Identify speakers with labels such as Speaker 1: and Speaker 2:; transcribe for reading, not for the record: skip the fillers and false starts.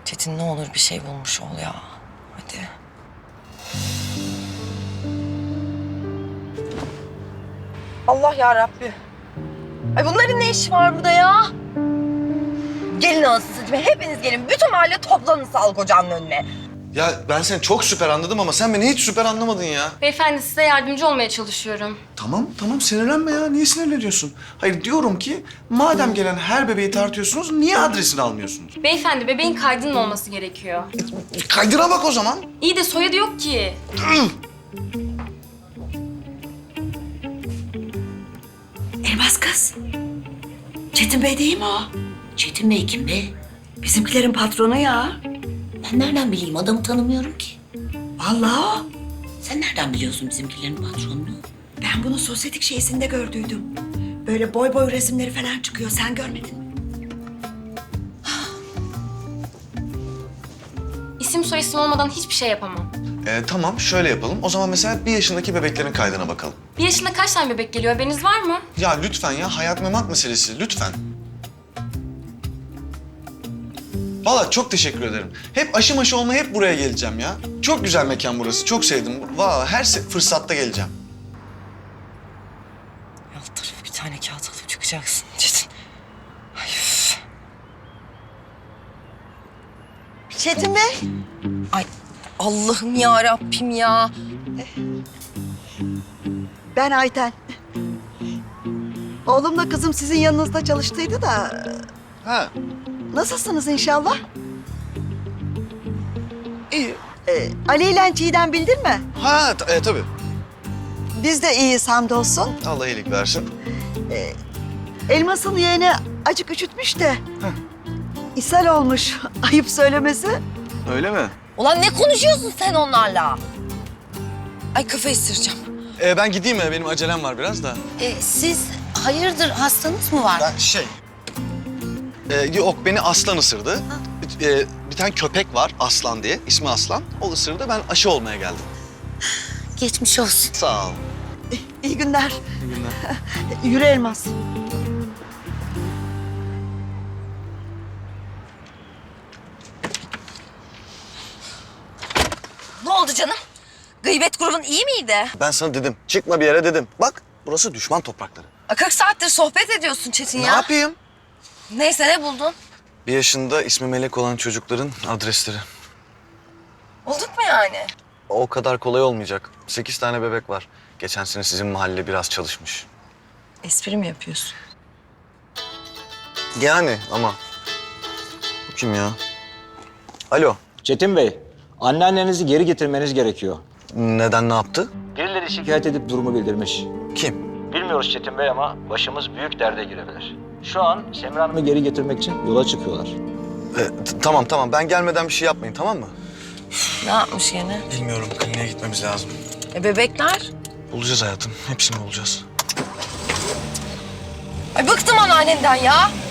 Speaker 1: Çetin ne olur bir şey bulmuş ol ya. Hadi. Allah ya Rabbi. Ay bunların ne işi var burada ya? Gelin anasını satayım. Hepiniz gelin. Bütün mahalle toplanın sağlık ocağının önüne.
Speaker 2: Ya ben seni çok süper anladım ama sen beni hiç süper anlamadın ya.
Speaker 3: Beyefendi size yardımcı olmaya çalışıyorum.
Speaker 2: Tamam sinirlenme ya. Niye sinirleniyorsun? Hayır diyorum ki madem gelen her bebeği tartıyorsunuz niye adresini almıyorsunuz?
Speaker 3: Beyefendi bebeğin kaydının olması gerekiyor.
Speaker 2: Kaydıra bak o zaman.
Speaker 3: İyi de soyadı yok ki.
Speaker 4: Elmas kız. Çetin Bey değil mi o?
Speaker 5: Çetin Bey kim be?
Speaker 4: Bizimkilerin patronu ya.
Speaker 5: Ben nereden bileyim? Adamı tanımıyorum ki.
Speaker 4: Vallahi o.
Speaker 5: Sen nereden biliyorsun bizimkilerin patronunu?
Speaker 4: Ben bunu sosyetik şeysinde gördüydüm. Böyle boy boy resimleri falan çıkıyor. Sen görmedin mi?
Speaker 3: İsim soyisim olmadan hiçbir şey yapamam.
Speaker 2: Tamam şöyle yapalım. O zaman mesela 1 yaşındaki bebeklerin kaydına bakalım.
Speaker 3: 1 yaşında kaç tane bebek geliyor haberiniz var mı?
Speaker 2: Ya lütfen ya hayat memat meselesi lütfen. Vallahi çok teşekkür ederim. Hep aşı maşı olmaya hep buraya geleceğim ya. Çok güzel mekan burası. Çok sevdim. Vallahi her fırsatta geleceğim.
Speaker 1: Alt tarafı bir tane kağıt alıp çıkacaksın Çetin. Ay üf.
Speaker 4: Çetin Bey.
Speaker 1: Ay Allah'ım ya Rabbim ya.
Speaker 4: Ben Ayten. Oğlumla kızım sizin yanınızda çalıştıydı da...
Speaker 2: Ha.
Speaker 4: Nasılsınız inşallah? İyi. Ali ile Çiğdem bildin mi?
Speaker 2: Ha tabii.
Speaker 4: Biz de iyiyiz hamdolsun.
Speaker 2: Allah iyilik versin.
Speaker 4: Elmas'ın yeğeni acık üşütmüş de. İshal olmuş. Ayıp söylemesi.
Speaker 2: Öyle mi?
Speaker 1: Ulan ne konuşuyorsun sen onlarla? Ay kafayı ısıracağım.
Speaker 2: Ben gideyim mi? Benim acelem var biraz da.
Speaker 5: Siz hayırdır hastanız mı var?
Speaker 2: Yok beni aslan ısırdı. Bir tane köpek var Aslan diye. İsmi Aslan. O ısırdı. Ben aşı olmaya geldim.
Speaker 5: Geçmiş olsun.
Speaker 2: Sağ ol.
Speaker 4: İyi günler.
Speaker 2: İyi günler.
Speaker 4: Yürü Elmas.
Speaker 1: Ne oldu canım? Gıybet grubun iyi miydi?
Speaker 2: Ben sana dedim. Çıkma bir yere dedim. Bak burası düşman toprakları.
Speaker 1: 40 saattir sohbet ediyorsun Çetin
Speaker 2: Ne
Speaker 1: ya.
Speaker 2: yapayım?
Speaker 1: Neyse ne buldun?
Speaker 2: 1 yaşında ismi Melek olan çocukların adresleri.
Speaker 1: Bulduk mu yani?
Speaker 2: O kadar kolay olmayacak. 8 tane bebek var. Geçen sene sizin mahalle biraz çalışmış.
Speaker 1: Espri mi yapıyorsun?
Speaker 2: Yani ama. Bu kim ya? Alo.
Speaker 6: Çetin Bey, anneannenizi geri getirmeniz gerekiyor.
Speaker 2: Neden ne yaptı?
Speaker 6: Birileri şikayet edip durumu bildirmiş.
Speaker 2: Kim?
Speaker 6: Bilmiyoruz Çetin Bey ama başımız büyük derde girebilir. Şu an Semra Hanım'ı geri getirmek için yola çıkıyorlar.
Speaker 2: Tamam. Ben gelmeden bir şey yapmayın tamam mı?
Speaker 1: Ne yapmış yine?
Speaker 2: Bilmiyorum. Kliniğe gitmemiz lazım.
Speaker 1: Bebekler?
Speaker 2: Bulacağız hayatım. Hepsini bulacağız.
Speaker 1: Ay bıktım anneannenden ya.